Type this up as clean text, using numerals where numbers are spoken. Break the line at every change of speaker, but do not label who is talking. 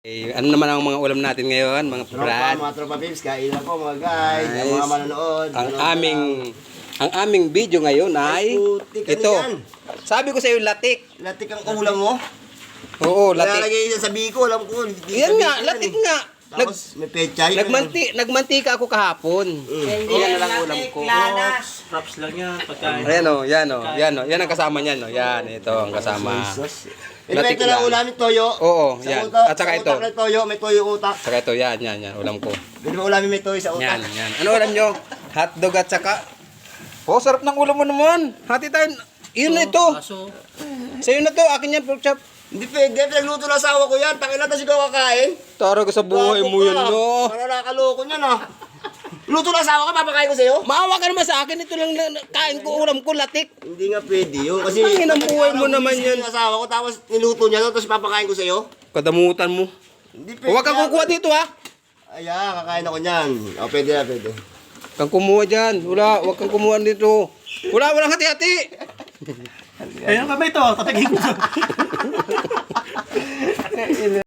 Ano naman ang mga ulam natin ngayon, mga brad?
Mga tropa babes, kain na po mga guys,
Nice.
ang mga manonood.
Ang aming video ngayon ay
putik, ano
ito.
yan?
Sabi ko sa iyo latik.
Latik ang ulam mo.
Oo, latik.
Lalagay sa sabi ko, alam ko.
Yan nga, latik nga.
Tapos may pechay.
Nagmantika ako kahapon. Yan na lang ulam ko.
Props lang yan, pagkain.
Ayan o, yan o, yan o. Yan ang kasama niyan o. Yan, ito ang kasama.
Ito lang ulamin toyo.
Oo,
Sa
yan.
utak,
At saka
sa
ito.
utak na toyo, may toyo utak.
Saka ito, yan, ulam ko.
Pwede mo ulamin may toyo sa utak.
Yan, yan. Ano ulam nyo? Hotdog at saka... Oh, sarap ng ulam mo naman. Hati tayo. Yun na ito. Sa'yo na to, akin yan, pork chop.
Hindi pwede, pinagluto ng asawa ko yan. Pakilata sigaw kakain.
Tara ka sa buhay mo yun, no?
Para nakaloko niyan ah. Luto ng asawa ka, papakain ko sa'yo?
Maawa ka naman sa akin. Ito lang kain ko, ulam ko, latik.
Hindi nga pwede yun. Kasi
Ang inang buhay mo naman yan.
Yung asawa ko, tapos niluto niya, tapos papakain ko sa'yo?
Kadamutan mo.
Hindi pwede.
Huwag kang kukuha dito, ha?
Ay, kakain ako niyan. O, pwede na, pwede.
Kang kumuha dyan. Wala, huwag kang kumuha dito. Walang hati-hati.
Ayun ka ba ito? Tatagin ko.